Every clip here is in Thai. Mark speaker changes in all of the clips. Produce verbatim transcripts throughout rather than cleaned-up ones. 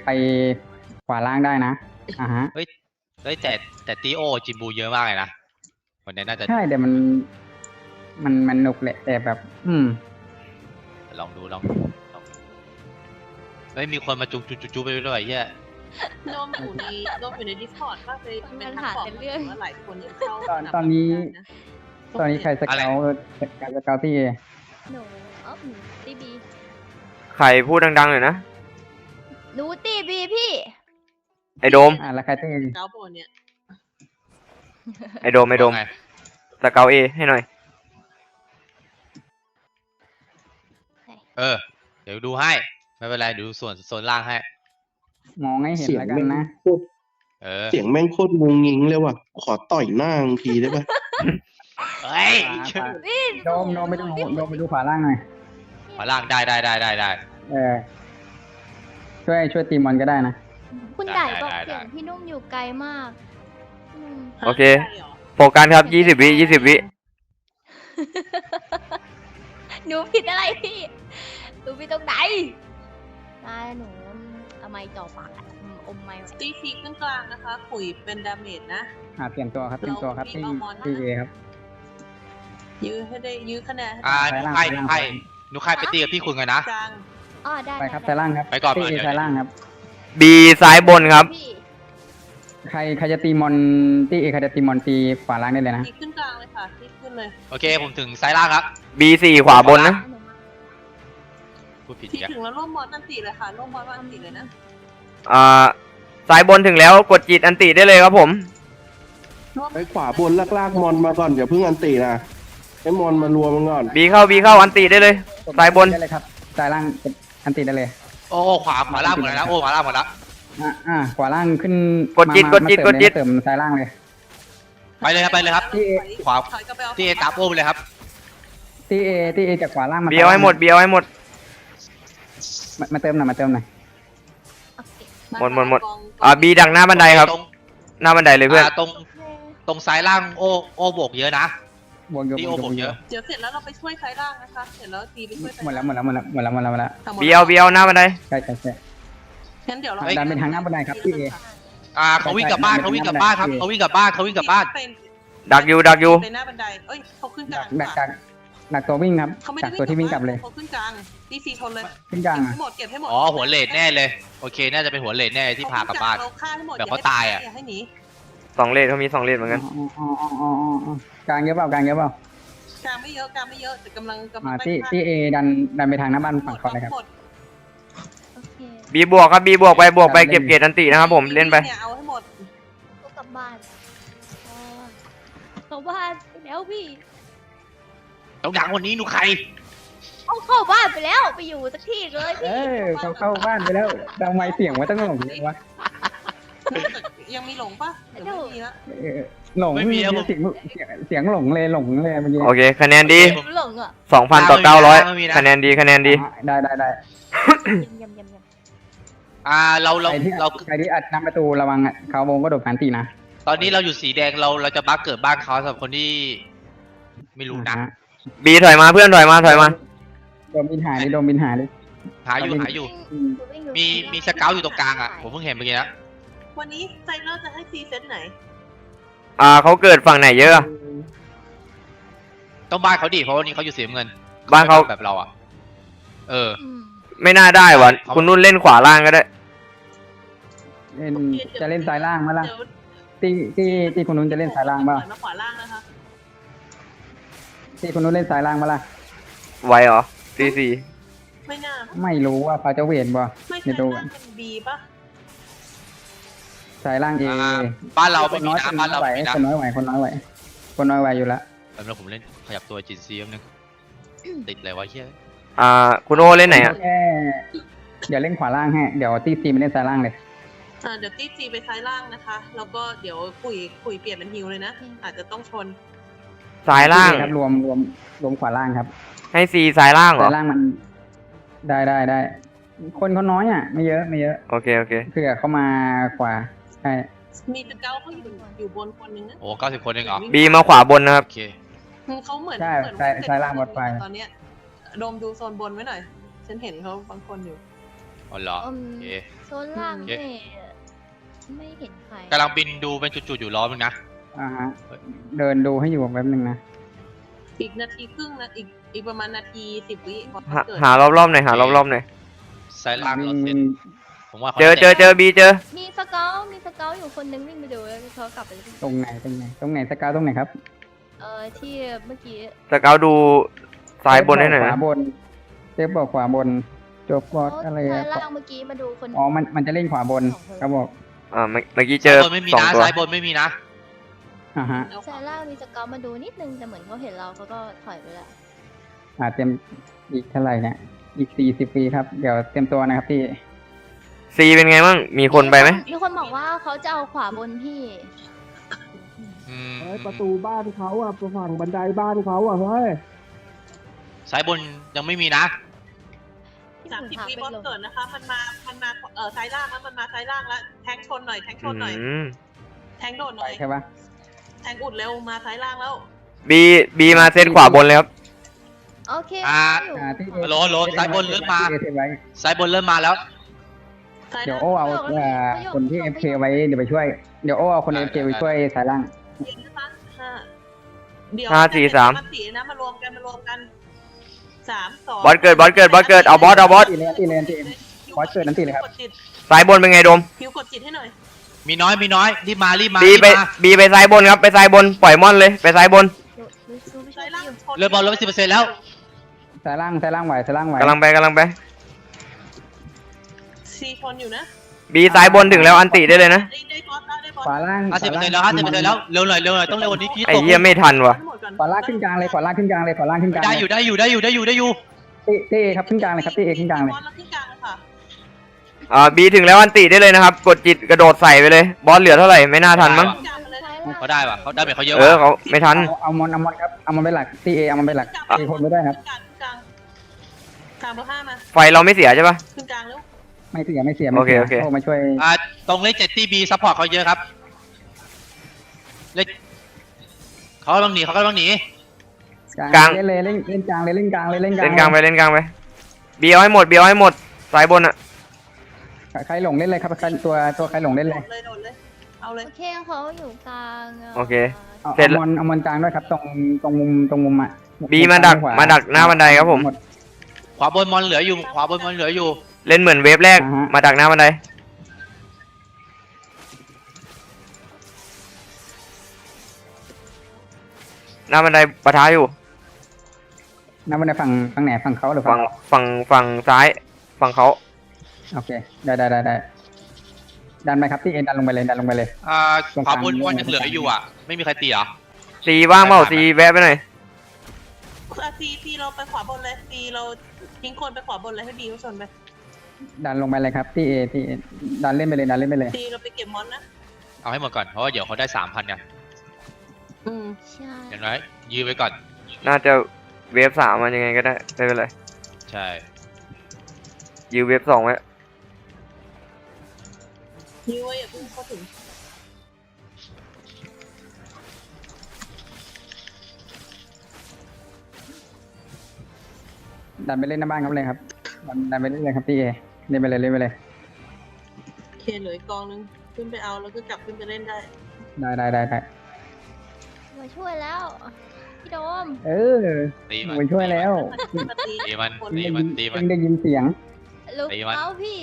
Speaker 1: ไปขวาล่างได้นะอ่าฮะ
Speaker 2: เฮ้ยเฮ้ยแต่แต่ตีโอจิมบูเยอะมากเลยนะวันนี้น่าจะ
Speaker 1: ใช่แต่มันมันมันหนุกแหละแต่แบบ อืม
Speaker 2: ลองดูลองดูลองดูเฮ้ยมีคนมาจุกจุกจุกจุกไปด้วยเฮีย
Speaker 3: โดมอยู่ในโดมอยู่ในดิสคอร์ดว่าไปเป็นทักบอกว่าหลายคนยังเข้า
Speaker 1: ตอนตอนนี้ ตอนนี้ใครสเกลการสเกลที่เอ
Speaker 4: หนูเออหนูตีบี
Speaker 5: ใครพูดดังๆหน่อยนะ
Speaker 4: หนูตีบีพี่
Speaker 5: ไอโดม
Speaker 1: อ่าแล้วใครที่
Speaker 3: เก้าโบนเนี่ย
Speaker 5: ไอโดมไอโดม
Speaker 2: ว่าไง
Speaker 5: สเกลเอให้หน่อย
Speaker 2: เออเดี๋ยวดูให้ไม่เป็นไรดูส่วนโซนล่างให้
Speaker 1: มองให้เห็น
Speaker 6: เสียง
Speaker 1: แล้วกัน
Speaker 6: แม่ง
Speaker 1: นะ
Speaker 6: โคตร
Speaker 2: เออ
Speaker 6: เสียงแม่งโคตรงุงงิงเลยว่ะขอต่อยหน้าบางทีได้ปะ
Speaker 2: เฮ้ย
Speaker 4: พี่
Speaker 1: โดมโดมไปดูโดมไปดูขวาล่างหน่อย
Speaker 2: ขวาล่างได้ได้ได้ได้ได้
Speaker 1: เออช่วยช่วยตีมอนก็ได้นะ
Speaker 4: คุณไก่บอก
Speaker 2: ได้ได้
Speaker 4: เสียงพี่นุ่มอยู่ไกลมากอืม
Speaker 5: โอเค โฟกัสครับยี่สิบวิยี่สิบวิ
Speaker 4: หนูผิดอะไรพี่หนูผิดตรงไหนตายหนูเอาไม้จ่อปากอะอืมอมไม้ไว้
Speaker 3: ตีฟีขึ้นกลางนะคะขุยเป็นดาเมจนะ
Speaker 1: อ่าเปลี่ยนตัวครับเปลี่ยนตัวครับที่ที่เอครับ
Speaker 3: ยื้อให้ได้ยื้อคะแนน
Speaker 2: อ่า
Speaker 1: ซ้ายล่าง
Speaker 2: ใคร
Speaker 1: ซ้ายล่าง
Speaker 2: ใครหนูใครไปตีกับพี่คุณกันนะ
Speaker 3: กลาง
Speaker 4: อ๋อได้
Speaker 1: ไปครับ
Speaker 4: ด้
Speaker 1: ซ้ายล่างครับ
Speaker 2: ไปก่อน
Speaker 1: ที่เอ
Speaker 2: เดี๋ยว
Speaker 1: ซ้ายล่างครับ
Speaker 5: บีซ้ายบนครับ
Speaker 4: พี่
Speaker 1: ใครใครจะตีมอนที่เอใครจะตีมอนตีขวาล่างได้เลยนะ
Speaker 3: ตีขึ้นกลางเลยค่ะตีขึ้นเลย
Speaker 2: โอเคผมถึงซ้ายล่างครับ
Speaker 5: บีสี่ขวาบนนะ
Speaker 2: พูดผิด
Speaker 3: ตี
Speaker 2: อีกแล้ว
Speaker 3: ถึงแล้วร่วมมอนอันตีเลยค่ะร่วมมอนอันตีเลยนะ
Speaker 5: อ่าซ้ายบนถึงแล้วกดจิตอันติได้เลยครับผม
Speaker 3: ร่วม
Speaker 6: ไปขวาบนลากๆมอนมาก่อนอย่าเพิ่งอันตีนะให้มอนมารวมมันก่อน
Speaker 5: บีเข้าบีเข้าอันติได้เลย ซ้ายบน
Speaker 1: ได้เลยครับซ้ายล่างอันตีได้เลย
Speaker 2: โอ้ขวาขวาล่างหมดแล้วนะโอ้ขวาล่างหมดแล้ว
Speaker 1: อ่าอ่าขวาล่างขึ้น
Speaker 5: กดจิต
Speaker 1: มาก
Speaker 5: ดจิต
Speaker 1: มาเติม
Speaker 5: กดจิต
Speaker 1: เลยเติมซ้ายล่างเลย
Speaker 2: ไปเลยครับไปเลยครับ
Speaker 1: ที่
Speaker 2: ขวา
Speaker 3: ถอยกลับไปเอา
Speaker 2: ที่ตามโอ้ไปเลยครับ
Speaker 1: ที่เอที่เอจากขวาล่างมา
Speaker 5: เบียวให้หมดเบียวให้หมด
Speaker 1: มามาเติมหน่อยมาเติมหน่อย
Speaker 4: โอเค
Speaker 5: หมดหมดหมด อ่าบีดักหน้าบันไดครับ
Speaker 2: ตรง
Speaker 5: หน้าบันไดเลยเพื่อน
Speaker 2: อ่าตรงตรงซ้ายล่างโอ้โอ้โบกเยอะนะ
Speaker 1: บวกเยอะ
Speaker 2: ที่โอ้โบกเยอะ
Speaker 3: เดี๋ยวเสร็จแล้วเราไปช่วยซ้ายล่างนะคะเสร็จแล้วตีไปช่วยซ้าย
Speaker 1: หมดแล้วหมดแล้วหมดแล้วหมดแล้วหมดแล้วหมดแล้ว
Speaker 3: ทั้งหมด
Speaker 5: เบียวเบียวหน้าบันได
Speaker 1: ใช่ใช่ใช่
Speaker 3: งั้นเดี๋ยวเรา
Speaker 1: ดันไปทางหน้าบันไดครับพี่เอ
Speaker 2: อ่าเขาวิ่งกลับบ้านเขาวิ่งกลับบ้านครับเขาวิ่งกลับบ้านเขาวิ่งกลับบ้าน
Speaker 3: เป็น
Speaker 5: ดักอยู่ดักอยู่
Speaker 3: ไปหน้าบันไดเอ้ยเขาขึ้นก
Speaker 1: ดั
Speaker 3: ลาก ง
Speaker 1: ดักจากดักตัววิ่งครับ
Speaker 3: เขาไม่
Speaker 1: ดั
Speaker 3: ได้
Speaker 1: กตัวที่วิ่งกลับเลย
Speaker 3: เขาขึ้นกลางตีซีชนเลย
Speaker 1: ขึ้นกลาง
Speaker 3: เก็บ
Speaker 1: อ่ะ
Speaker 3: ให้หมดเก็บให้หมด
Speaker 2: อ๋อหัวเลดแน่เลยโอเคน่าจะเป็นหัวเลดแน่ที่พากลับบ้าน
Speaker 3: เขฆ่าให้หมด
Speaker 2: แบบเขาตายอะ
Speaker 3: อย่าให้หนี
Speaker 5: สองเลนเขามีสองเลนเหมือนกัน
Speaker 1: อ๋ออ๋ออ๋ออ๋ออ๋ออ๋อกลางเยอะเปล่ากลางเยอะเปล่าก
Speaker 3: ลางไม่เยอะกลางไม่เยอะแต่กำลังกำลั
Speaker 1: อ่าง
Speaker 3: ไล่
Speaker 1: ที่
Speaker 3: ฆ่า
Speaker 1: ที่เอดันดันไปทางหน้าบ้าน
Speaker 3: หม
Speaker 1: ฝั่ง
Speaker 3: ด
Speaker 1: ก่อนเลยครับ
Speaker 3: หมด
Speaker 4: โอเค
Speaker 5: บีบวกครับบีบวกไปบวกไปเก็บเกรดอันตินะครับผมเล่นไป
Speaker 3: ยเอาให้หมด
Speaker 4: ก็กลับบ้านอ๋อกลับบ้านไปแล้วพี่
Speaker 2: ต้องดังวันนี้หนูใคร
Speaker 4: เอาเข้าบ้านไปแล้วไปอยู่สักที่เลย
Speaker 1: เอ
Speaker 4: พี่
Speaker 1: อเขาเข้าบ้านไปแล้วทำไมเสียงว่าต้องหลงเลยวะ
Speaker 3: ยังมีหลงปะเดี๋ยวไม่มีละ
Speaker 1: เออหลงเสียงเสียงเสียงหลงเลยหลงเลยเมื่อกี้
Speaker 5: โอเค คะแนนดี
Speaker 4: หลงอ่ะ
Speaker 5: สองพันต่อเก้าร้อยคะแนนดีคะแนนดี
Speaker 1: อ่ะได้ได้ได้
Speaker 4: ยำยำยำยำ
Speaker 2: อ่าเราเรา
Speaker 1: ใครที่
Speaker 2: เรา
Speaker 1: ใครที่อัดน้ำประตูระวังอ่ะเขาวงก็โดดผ่านตีนะ
Speaker 2: ตอนนี้เราอยู่สีแดงเราเราจะบักเกิดบ้านเขาสำหรับคนที่ไม่รู้นะ
Speaker 1: อ่าฮ
Speaker 5: บีถอยมาเพื่อนถอยมาถอยมา
Speaker 1: โดนบินหายดิโดนบินหายดิ
Speaker 2: หาอยู่หาอยู่
Speaker 1: อืม
Speaker 2: มีมีสเกลอยู่ตรงกลางอ่ะผมเพิ่งเห็นเมื่อกี้นะ
Speaker 3: วันนี้ไซเลอร์จะให้ซีเซตไหน
Speaker 5: อ่าเขาเกิดฝั่งไหนเยอะอะ
Speaker 2: ต้องบ้านเขาดิเพราะวันนี้เขาอยู่สีน้ำเงิน
Speaker 5: บ้านเขา
Speaker 2: แบบเราอ่ะเออ
Speaker 4: อืม
Speaker 5: ไม่น่าได้วะคุณนุ่นเล่นขวาล่างก็ได้
Speaker 1: เล่นจะเล่นซ้ายล่างไหมล่ะ
Speaker 3: เดี๋ยว
Speaker 1: ที่ที่ที่คุณนุ้นจะเล่นซ้ายล่างเปล่า
Speaker 3: มาขวาล่างนะคะ
Speaker 1: ที่คุณนุ้นเล่นซ้ายล่างเปล่าล่ะ
Speaker 5: ไวเหรอซีซี
Speaker 3: ไม่น่า
Speaker 1: ไม่รู้ว่าเขาจะเวทบ่
Speaker 3: ไม่
Speaker 1: เดี๋
Speaker 3: ใช่
Speaker 1: ยวดู
Speaker 3: น่าเป็นบีปะ
Speaker 1: ซ้ายล่างเอ
Speaker 2: อ่าบ้านเรา
Speaker 1: ค
Speaker 2: ไม่
Speaker 1: น
Speaker 2: มี
Speaker 1: น้อยค
Speaker 2: นะ
Speaker 1: น
Speaker 2: บ้าน
Speaker 1: น้
Speaker 2: เรา
Speaker 1: อยไหว
Speaker 2: ไม่มีนะ
Speaker 1: คนน้อยไหวคนน้อยไหวคนน้อยไหวอยู่แล้ว
Speaker 2: แล้วผมเล่นขยับตัวจินซีแป๊บนึงติดอะไรวะเฮีย
Speaker 5: อ่าคุณโอเล่นไหนอ่ะ
Speaker 1: แค่เดี๋ยวเล่นขวาล่างให้เดี๋ยวตีซีไปเล่นซ้ายล่างเลย
Speaker 3: อ่าเดี๋ยวตีจีไปซ้ายล่างนะคะ แล้วก็เดี๋ยวคุยคุยเปลี่ยนเป็นฮิวเลยนะ อาจจะต้องชน
Speaker 5: ซ้ายล่าง
Speaker 1: ครับรวมรวมรวมขวาล่างครับ
Speaker 5: ให้ซีซ้ายล่างเหร
Speaker 1: ซ้า
Speaker 5: อย
Speaker 1: ล่างมัน ได้ได้ได้คนเขาน้อยอ่ะ ไม่เยอะไม่เยอะ
Speaker 5: โอเคโอเค
Speaker 1: เผื่อเขามาขวาใช่
Speaker 3: มีสเกลเขาอยู่อยู่บนคนนึงนะ
Speaker 2: โอ้เก้าสิบคนเองเหรอ
Speaker 5: บีมาขวาบนนะครับ
Speaker 2: โอเค
Speaker 3: เขาเหมือน
Speaker 1: ใช่
Speaker 3: เหมือน
Speaker 1: ซ้ายซ้ายล่างบนไฟ
Speaker 3: ตอนเนี้ยโดมดูโซนบนไว้หน่อย ฉันเห็นเขาบางคนอยู่
Speaker 2: อ๋อเหรอ
Speaker 4: อืม
Speaker 2: โอเค
Speaker 4: โซนล่าง
Speaker 2: โอเค
Speaker 4: เนี่ยไม่เห็นใคร
Speaker 2: กำลังบินดูเป็นจุดๆอยู่ล้อมึงนะ
Speaker 1: อ่าฮะเดินดูให้อยู่แป๊บนึงนะ
Speaker 3: อีกนาทีครึ่งนะอีกอีกประมาณนาทีสิบวิก่อน
Speaker 5: หา
Speaker 3: เกิด
Speaker 5: หารอบๆหน่อยหารอบๆหน่อย
Speaker 2: สายล่างรถเสร็จผมว่าขา
Speaker 5: เจอเจอเจอบีเจอ
Speaker 4: มีสเกลมีสเกลอยู่คนนึงวิ่งไปดูแล้วเขากลับไป
Speaker 1: ตรงไหนตรงไหนตรงไหนสกาวตรงไหนครับ
Speaker 4: เออที่เมื่อกี้
Speaker 5: สเกาดูซ้ายบนให้หน่อย
Speaker 1: ข
Speaker 5: นะ
Speaker 1: วาบนเซฟบอกขวาบนจบบอสอะไร
Speaker 4: ซ้า
Speaker 1: อะ
Speaker 4: ยล่างเมื่อกี้มาดูคน
Speaker 1: อ๋อมันมันจะเล่นขวาบนเขาบอก
Speaker 5: อ่าเมื่อเมื่อกี้เจ
Speaker 2: ซ้าย
Speaker 5: อบ
Speaker 2: นไม่มี
Speaker 5: สอง
Speaker 2: นะ
Speaker 5: ตัว
Speaker 2: ซ้ายบนไม่มีนะ
Speaker 1: อ่าฮะ
Speaker 3: แล้ว
Speaker 4: ซ้ายล่างมีสเกลมาดูนิดนึงแต่เหมือนเขาเห็นเราเขาก็ถอยไปแล้ว
Speaker 1: อ่าเตรียมอีกเท่าไหร่เนี่ยอีกสี่สิบปีครับเดี๋ยวเตรียมตัวนะครับพี่
Speaker 5: ซีเป็นไงบ้างมีคนไปไหม
Speaker 4: มีคนบอกว่าเขาจะเอาขวาบนพี่
Speaker 2: อืม
Speaker 6: เฮ้ยประตูบ้านเขาอ่ะฝั่งบันไดบ้านเขาอ่ะเฮ้ย
Speaker 2: ซ้ายบนยังไม่มีนะ
Speaker 3: สามสิบวิบอสเกิดนะคะ มันมามันมาเออซ้ายล่างแล้วมันมาซ้ายล่างแล้วแทงชนหน่อยแทงชนหน่อย
Speaker 5: อืม
Speaker 3: แทงโดดหน่อย
Speaker 1: ใช่ปะ
Speaker 3: แทงอุดเร็วมาซ้ายล่างแล้ว
Speaker 5: บีบีมาเซตขวาบนเลยครับ
Speaker 4: โอเค
Speaker 2: อ่า
Speaker 4: อยู่
Speaker 1: อ่าที่
Speaker 2: โหลโหลซ้ายบนเริ่มมา
Speaker 1: ที่เอไว้
Speaker 2: ซ้ายบนเริ่มมาแล้ว
Speaker 3: ซ้าย
Speaker 1: เดี๋ยว
Speaker 3: ล่าง
Speaker 1: โอ้เอาเอ่อคนที่เอฟเคไว้เดี๋ยวไปช่วย เดี๋ยวโอ้เอาคนเอฟเคไปช่วยสายล่าง
Speaker 3: เย็นนะคะห้าเดี๋ยว
Speaker 5: ห้าสี่สาม
Speaker 3: สี่นะมารวมกันมารวมกันสามสอง
Speaker 5: บอสเกิดบอสเกิดบอสเกิดเอาบอสเอาบอส
Speaker 1: ตีเลยตีเลยตีบอสเกิดนั่นตีเลยครับ
Speaker 3: กดจิต
Speaker 5: ซ้ายบนเป็นไงโดม
Speaker 3: คิวกดจิตให้หน่อย
Speaker 2: มีน้อยมีน้อยรีบมารีบมา
Speaker 5: บี
Speaker 2: รีบ
Speaker 5: ไป
Speaker 2: มา
Speaker 5: บีไปซ้ายบนครับไปซ้ายบนปล่อยมอนเลยไปซ้ายบน
Speaker 4: ดูดูซูไม่ใช่
Speaker 3: ซ้ายล่าง
Speaker 4: อยู่
Speaker 3: ชน
Speaker 2: เรือบอลลดไปสิบเปอร์เซ็นต์แล้ว
Speaker 1: สายล่างสายล่างไหวสายล่างไหว
Speaker 5: กำลังไปกำลังไป
Speaker 3: ซีชนอยู่นะ
Speaker 5: บีซ้ายบนถึงแล้วอันติได้เลยนะ
Speaker 3: ได้ได้บอสแล้วได้บอส
Speaker 1: ขวาล่าง
Speaker 2: ห้าสิบเปอร์เซ็นต์แล้วห้าสิบเปอร์เซ็นต์แล้วเร็วหน่อยเร็วหน่อยต้องเร็วกว่านี้กี้
Speaker 5: ไอ้
Speaker 2: ตก
Speaker 5: เหี้ยไม่ทันว่ะ
Speaker 3: ทั้งหมดก่อน
Speaker 1: ขวาล่างขึ้นกลางเลยขวาล่างขึ้นกลางเลยขวาล่างขึ้นกลาง
Speaker 2: ได้อยู่ได้อยู่ได้อยู่ได้อยู่ได้อยู่
Speaker 1: ตีตีครับขึ้นกลางเลยครับตีเอขึ้นกลางเลย
Speaker 3: บอสแล้วขึ้นกลางเลยค่ะ
Speaker 5: อ่าบีถึงแล้วอันติได้เลยนะครับ กดจิตกระโดดใส่ไปเลย บอสเหลือเท่าไหร่ไม่น่าทันมั้ง
Speaker 3: ขึ้นกลางไปเลย
Speaker 4: ซ้ายล่าง
Speaker 2: เขาได้ปะเขาได้แบบเขาเยอะ
Speaker 5: เออ
Speaker 2: ว่ะ
Speaker 5: เขาไม่ทัน
Speaker 1: เอาเอามอนเอามอนครับเอามอนไปหลักตีเอเอามอนไปหลักตีคนไม่ได้ครับ
Speaker 3: ขึ้นกลางขึ้นกลางกลางเบอร์ห้ามา
Speaker 5: ไฟเราไม่เสียใช่ปะ
Speaker 3: ขึ้นกลางแล้ว
Speaker 1: ไม่เสียไม่เสียไม่
Speaker 5: โอเค
Speaker 1: เสีย
Speaker 5: โอเค
Speaker 1: โอ้มาช่วย
Speaker 2: อ่าตรงเลขเจ็ดที่บีซัพพอร์ตเขาเยอะครับเลขเขากำลังหนีเขากำลังหนี
Speaker 1: กลางเล่นเลยเล่นเล่นกลางเลยเล่นกลางเลยเล่นกลาง
Speaker 5: เล่นกลางไปเล่นกลางไปบีเอาให้หมดบีเอาให้หมดซ้ายบนอะ
Speaker 1: ใครหลงเล่นเลยครับใครตัวตัวใครหลงเล่น
Speaker 3: โด
Speaker 1: เลย
Speaker 3: ดเลยโดดเลย เอาเลย
Speaker 4: โอเคเขาอยู่กลาง
Speaker 5: โอเค
Speaker 1: เอา
Speaker 5: เสร็จ
Speaker 1: เอามอนเอามอนกลางด้วยครับตรงตรงมุมตรงมุมอ่ะ
Speaker 5: บีมาดัก
Speaker 1: ขว
Speaker 5: มาดักหน้าบันไดครับผม
Speaker 1: หด
Speaker 2: ขวาบนมอนเหลืออยู่ขวาบนมอนเหลืออยู่
Speaker 5: เล่นเหมือนเวฟแรก
Speaker 1: อ่าฮะ
Speaker 5: มาดักหน้าบันไดหน้าบันไดปะทะอยู่
Speaker 1: หน้าบันไดฝั่งฝั่งไหนฝั่งเขาหรือ
Speaker 5: ฝั่
Speaker 1: ฝั่
Speaker 5: ง
Speaker 1: ง
Speaker 5: ฝั่งฝั่งซ้ายฝั่งเขา
Speaker 1: โอเคได้ได้ได้ได้ดันไปครับที่เอ็นดันลงไปเลยดันลงไปเลย
Speaker 2: อ่า
Speaker 1: ตรง
Speaker 2: ขวาก
Speaker 1: ลาง
Speaker 2: บนมอนยังเหลืออยู่อ่ะไม่มีใครตีเหรอ
Speaker 5: ซีว่างเปล่า
Speaker 2: ได้ได้
Speaker 5: ซีแวะไปหน่อย
Speaker 3: อ่ะซีซีเราไปขวาบนเลยซีเราทิ้งคนไปขวาบนเลยให้บีเขาชนไป
Speaker 1: ดันลงไปเลยครับที่เอที่ดันเล่นไปเลยดันเล่นไปเลย
Speaker 3: ซีเราไปเก็บมอนนะ
Speaker 2: เอาให้หมดก่อนเพราะว่าเดี๋ยวเขาได้สามพันกัน
Speaker 3: อืม
Speaker 4: ใช่
Speaker 2: อย่างน้อยยื้อไว้ก่อน
Speaker 5: น่าจะเวฟสามมันยังไงก็ได้ไม่เป็นไร
Speaker 2: ใช่
Speaker 5: ยืมเวฟสองไว้
Speaker 3: ยื้อไว้อย่าเพิ่งเข้าถึง
Speaker 1: ดันไปเล่นหน้าบ้านครับเลยครับดันดันไปเล่นเลยครับที่เอเล่นไปเลยเล่นไปเลย
Speaker 3: โอเคเหลืออีกกองนึงขึ้นไปเอาแล้วก็กลับขึ้นไปเล่นได้
Speaker 1: ได้ได้ได้ได้
Speaker 4: มาช่วยแล้วพี่โดม
Speaker 1: เออ
Speaker 2: ตีมัน
Speaker 1: ไปช่วยแล้ว
Speaker 3: มันมาตี
Speaker 2: ตีมัน
Speaker 3: คน
Speaker 2: ตีมันตีมัน
Speaker 1: เพิ่งได้ยินเสียง
Speaker 4: ลุก
Speaker 2: ตีมัน
Speaker 4: เอาพี่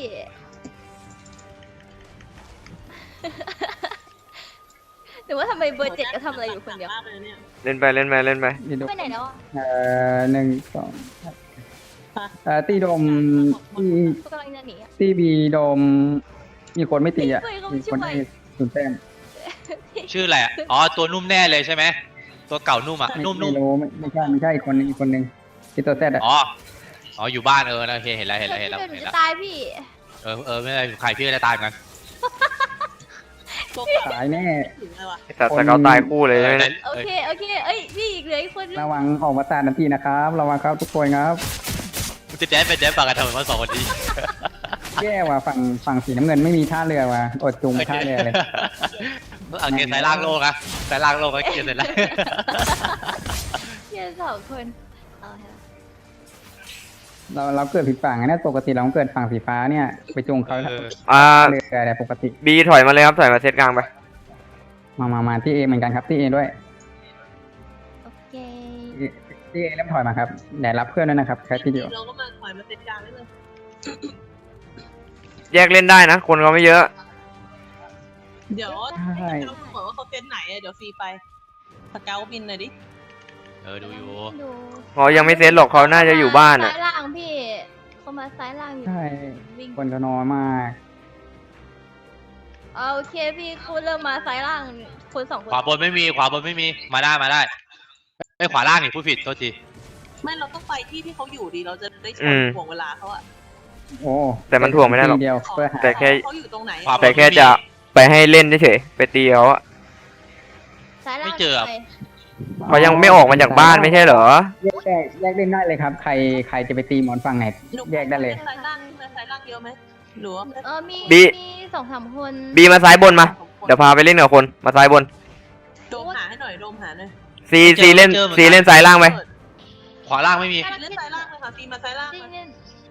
Speaker 4: หรือว่าทำไมเบอร์เจ็ดก็ทำอะไรอยู่คนเดียว
Speaker 3: มากเลยเนี่ย
Speaker 5: เล่นไปเล่นไปเล่นไป
Speaker 1: นี่ดู
Speaker 4: ไปไหนแล้วอ่ะ
Speaker 1: เอ่อหนึ่งสองเอ่อตีโดมที่
Speaker 4: เขากำลังจะหนีอะ
Speaker 1: ที่บีโดม มีคนไม่ตีอ่ะ
Speaker 4: ช่วยเขา
Speaker 1: มีคน
Speaker 4: ช่วย
Speaker 1: ให้ศูนย์แต้ม
Speaker 2: ชื่ออะไรอะอ๋อตัวนุ่มแน่เลยใช่ไหมตัวเก่านุ่มอ่ะ
Speaker 1: ไม่
Speaker 2: นุ่ม
Speaker 1: ไม่
Speaker 2: นุ่ม
Speaker 1: รู้ไม่ไม่ใช่ไม่ใช่อีกคนนึงอีกคนนึงที่ตัวแต้มอ่ะ
Speaker 2: อ๋ออ๋ออยู่บ้านเออโอเคเห็นแล้วเห็นแล้วเห็นแล้ว
Speaker 4: ช่วยหนู
Speaker 2: เห็น
Speaker 4: จะ
Speaker 2: แล้ว
Speaker 4: ตายพี่
Speaker 2: เออเออไม่เป็นไรใครพี่ก็จะตายเหมือนกัน
Speaker 3: ตัว
Speaker 1: ตายแน่
Speaker 3: ถึงเลยว่ะ
Speaker 5: ไอ้สัตว์สเกาตายคู่เลยใช่ไหม
Speaker 2: เอ
Speaker 5: เนี่ย
Speaker 2: อ
Speaker 4: โอเคโอเคเอ้ยพี่อีกเหลืออีกคนนึง
Speaker 1: ระวังออกมาตานาทีนะครับระวังครับทุกคนครับ
Speaker 2: มึงจะแจ๊บเป็นแจ๊บปากกันทำไมมาสองคนนี้
Speaker 1: แย่ว่ะฝั่งฝั่งสีน้ำเงินไม่มีท่าเรือว่ะอดจุงท่าเรือเลย
Speaker 2: เอาเกียร์สายล่างโลกอะสายล่างโลกก็เกียร์เสร็จแล้ว
Speaker 4: เพียงสองคนเอาฮะ
Speaker 1: เราเราเกิดผิดฝั่งนะปกติเราเกิดฝั่งสีฟ้าเนี่ย ไปจงเขา
Speaker 2: เออ
Speaker 5: อ่า
Speaker 1: เรืออะไรปกติ
Speaker 5: บีถอยมาเลยครับถอยมาเซตกลางไป
Speaker 1: มามามาที่เอเหมือนกันครับที่เอด้วย
Speaker 4: โอเค
Speaker 1: ที่เอเริ่มถอยมาครับเดี๋ยวรับเพื่อนด้วยนะครับแค่ที่เดียว
Speaker 3: เราก็มาถอยมาเซตกลางได้เลย
Speaker 5: แยกเล่นได้นะ คนเขาไม่เยอะ
Speaker 3: เดี๋ยว
Speaker 1: ใช่
Speaker 3: เราบอกว่าเขาเซตไหนอะเดี๋ยวฟรีไปสเกลบินหน่อยดิ
Speaker 2: เออดูอยู่
Speaker 4: ดู
Speaker 5: เขายังไม่เซตหรอกเขาน่าจะอยู่บ้านอ่ะ
Speaker 4: ซ้ายล่างพี่เขามาซ้ายล่างอยู่
Speaker 1: ใช่
Speaker 4: วิ่ง
Speaker 1: คนก็น้อยมาก
Speaker 4: เอาโอเคพี่คุณเริ่มมาซ้ายล่างคนสองคน
Speaker 2: ขวาบนไม่มีขวาบนไม่มีมาได้มาได้ไอ้ยขวาล่างนี่ผู้ผิดโทษที
Speaker 3: ไม่เราต้องไปที่ที่เขาอยู่ดีเราจะได้ช
Speaker 5: อื
Speaker 3: น
Speaker 5: ม
Speaker 3: ห่วงเวลาเขาอะ
Speaker 1: โอ้
Speaker 5: แต่มันถ่วงไม่ได้หรอก
Speaker 1: ทีเดียวเพื่อหา
Speaker 5: แต่แค่
Speaker 3: เขาอยู่ตรงไหน
Speaker 2: ขวา
Speaker 5: แต่แค่จะไปให้เล่นเฉยๆไปตีเขาอะ
Speaker 4: ซ้ายล่าง
Speaker 2: ไม่เจอ
Speaker 4: ใคร
Speaker 5: เขายังไม่ออกมาจากบ้านไม่ใช่เหรอ
Speaker 1: แยกแยกแยกเล่นได้เลยครับ ใครใครจะไปตีหมอนฝั่งไหน
Speaker 3: หนู
Speaker 1: แยกได้เลย
Speaker 3: สายล่างสายล่างเยอะไหมหรือว่า
Speaker 4: เออมี
Speaker 5: บี
Speaker 4: มีสองสามคน
Speaker 5: บีมาซ้ายบนมา เดี๋ยวพาไปเล่นกับคนมาซ้ายบน
Speaker 3: โดมหาให้หน่อยโดมหาหน่อย
Speaker 5: ซีซีเล่นซีเล่นซ้ายล่างไป
Speaker 2: ขวาล่างไม่มี
Speaker 3: เล่นสายล่างเลยค่ะฟีมาสายล่าง
Speaker 4: จริง
Speaker 3: มา
Speaker 4: เนี่ย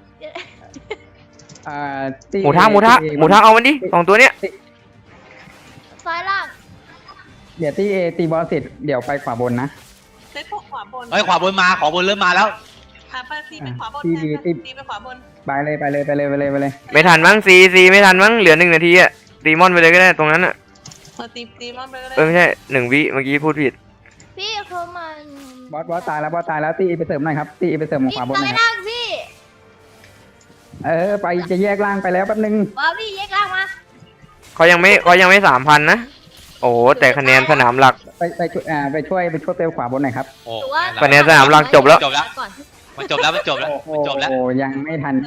Speaker 1: อ่าที่
Speaker 5: หมูทะหมูทะหมูทะเอามันดิสองตัวเนี้ย
Speaker 4: ซ้ายล่าง
Speaker 1: เดี๋ยวที่เอตีบอลเสร็จเดี๋ยวไปขวาบนนะ
Speaker 3: เซตพวกขวาบน
Speaker 2: เฮ้ยขวาบนมาขวาบนเริ่มมาแล้ว
Speaker 3: หาไปซีไปขวาบน
Speaker 1: ที่
Speaker 3: แทน
Speaker 1: ที่
Speaker 3: ซีไปขวาบน
Speaker 1: ไปเลยไปเลยไปเลยไปเลยไปเลย
Speaker 5: ไม่ทันมั้งซีซีไม่ทันมั้งเหลือหนึ่งนาทีอะตีมอนไปเลยก็ได้ตรงนั้นอะ
Speaker 3: เออตีตีมอนไปก็ได้
Speaker 5: เออไม่ใช่หนึ่งวิเมื่อกี้พูดผิด
Speaker 4: พี่เขามัน
Speaker 1: บอสบอสตายแล้วบอสตายแล้วตีไปเสริมหน่อยครับตีไปเสริมขวาบนห
Speaker 4: ซ้า
Speaker 1: น่อย ยครับ
Speaker 4: ล่างพี่
Speaker 1: เออไปจะแยกล่างไปแล้วแป๊บนึง
Speaker 4: ว่าพี่แยกล่างมา
Speaker 5: เขายังไม่เขายังไม่สามพันนะ โอ้โหแต่คะแนนสนามหลัก
Speaker 1: ไปไปช่วยอ่าไปช่วยไปช่วยเปลขวาบนหน่อยครับ
Speaker 2: โอ้
Speaker 4: หรือว่า
Speaker 5: คะแนนสนามหลักจบแล้ว
Speaker 2: จบแล้ว
Speaker 4: ก่อน
Speaker 2: มันจบแล้วมันจบแล้วมันจบแล้ว
Speaker 1: โอ้ยังไม่ทัน